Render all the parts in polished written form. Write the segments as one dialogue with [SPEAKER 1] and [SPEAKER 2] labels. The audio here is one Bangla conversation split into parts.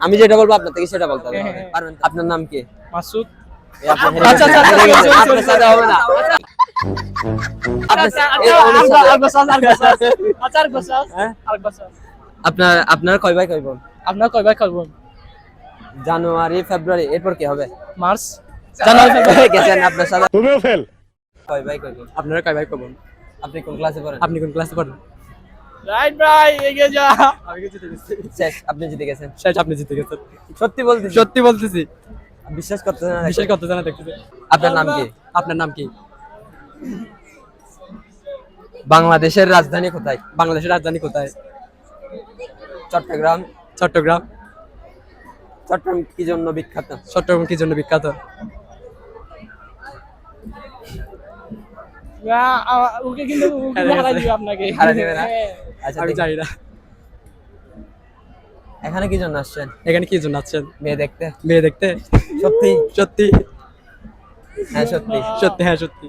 [SPEAKER 1] আমি যেটা বলবো আপনার থেকে সেটা বলতে হবে। পারবেন? আপনার নাম কি?
[SPEAKER 2] মাসুদ।
[SPEAKER 1] আচ্ছা আপনার সাথে হবে না। আপনার কয় ভাই কয় বোন?
[SPEAKER 2] আপনার কয় ভাই কয় বোন?
[SPEAKER 1] জানুয়ারি ফেব্রুয়ারি এরপর কি হবে?
[SPEAKER 2] মার্চ। জানুয়ারি ফেব্রুয়ারি
[SPEAKER 1] গেছেন আপনার সাথে।
[SPEAKER 3] তুমিও ফেল।
[SPEAKER 1] কয় ভাই কয় বোন?
[SPEAKER 2] আপনারা কয় ভাই কয় বোন?
[SPEAKER 1] আপনি কোন ক্লাসে পড়েন?
[SPEAKER 2] আপনি কোন ক্লাসে পড়েন? রাইট ভাই এগিয়ে যা। আমি জিতে গেছি।
[SPEAKER 1] শেষ, আপনি জিতে গেছেন।
[SPEAKER 2] শেষ, আপনি জিতে গেছেন।
[SPEAKER 1] সত্যি বলতেছি।
[SPEAKER 2] সত্যি বলতেছি।
[SPEAKER 1] বিশ্বাস করতেছেন না?
[SPEAKER 2] বিশ্বাস করতে জানা দেখতেছি।
[SPEAKER 1] আপনার নাম কি?
[SPEAKER 2] আপনার নাম কি?
[SPEAKER 1] বাংলাদেশের রাজধানী কোথায়?
[SPEAKER 2] বাংলাদেশের রাজধানী কোথায়?
[SPEAKER 1] চট্টগ্রাম।
[SPEAKER 2] চট্টগ্রাম।
[SPEAKER 1] চট্টগ্রাম কি জন্য বিখ্যাত?
[SPEAKER 2] চট্টগ্রাম কি জন্য বিখ্যাত? ওকে কিন্তু হারাই দিবে আপনাকে।
[SPEAKER 1] হারাই দিবে না? আচ্ছা
[SPEAKER 2] আমি জানি না।
[SPEAKER 1] এখানে কি জন্য আসছেন?
[SPEAKER 2] এখানে কি জন্য আসছেন?
[SPEAKER 1] মেয়ে দেখতে।
[SPEAKER 2] মেয়ে দেখতে?
[SPEAKER 1] সত্যি?
[SPEAKER 2] সত্যি।
[SPEAKER 1] হ্যাঁ সত্যি।
[SPEAKER 2] সত্যি, হ্যাঁ সত্যি।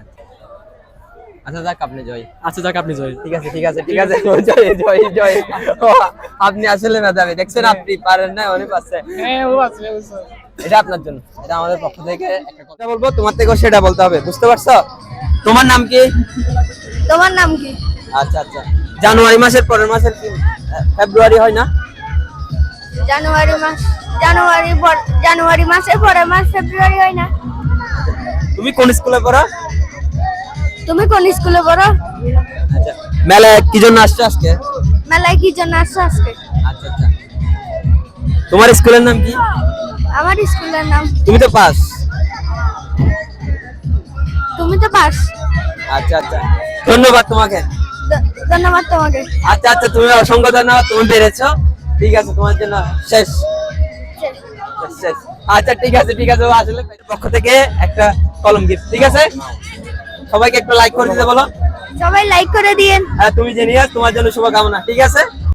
[SPEAKER 1] আচ্ছা যাক আপনি জয়।
[SPEAKER 2] আচ্ছা যাক আপনি জয়।
[SPEAKER 1] ঠিক আছে ঠিক আছে ঠিক আছে জয় জয় জয়। ও, আপনি আসলে মেধাবী, দেখছেন আপনি পারেন না, উনি পারছে।
[SPEAKER 2] হ্যাঁ ও আছে।
[SPEAKER 1] এটা আপনার জন্য, এটা আমাদের পক্ষ থেকে একটা কথা বলবো, তোমার থেকেও সেটা বলতে হবে, বুঝতে পারছো? তোমার নাম কি?
[SPEAKER 4] তোমার নাম কি?
[SPEAKER 1] আচ্ছা আচ্ছা, জানুয়ারি মাসের পরের মাসের কি ফেব্রুয়ারি হয় না?
[SPEAKER 4] জানুয়ারি মাসের পরের মাস ফেব্রুয়ারি হয় না?
[SPEAKER 1] তুমি কোন স্কুলে পড়ো?
[SPEAKER 4] তুমি কোন স্কুলে পড়ো?
[SPEAKER 1] আচ্ছা, মেলায় কি জন্য আসছো আজকে?
[SPEAKER 4] মেলায় কি জন্য আসছো আজকে?
[SPEAKER 1] আচ্ছা আচ্ছা, তোমার স্কুলের নাম কি?
[SPEAKER 4] আমার স্কুলের নাম।
[SPEAKER 1] তুমি তো পাস।
[SPEAKER 4] তুমি তো পাস।
[SPEAKER 1] আচ্ছা আচ্ছা, ধন্যবাদ তোমাকে।
[SPEAKER 4] ধন্যবাদ তোমাকে।
[SPEAKER 1] আচ্ছা আচ্ছা, তুমি অসংখ্য ধন্যবাদ, তুমি পেরেছো। ঠিক আছে, তোমার জন্য শেষ শেষ। আচ্ছা ঠিক আছে ঠিক আছে, আসলে পক্ষ থেকে একটা কলম গিফট। ঠিক আছে, সবাইকে একটা লাইক করে দিতে বলো।
[SPEAKER 4] সবাই লাইক করে দিয়েন।
[SPEAKER 1] হ্যাঁ, তুমি জেনিয়াস, তোমার জন্য শুভকামনা। ঠিক আছে।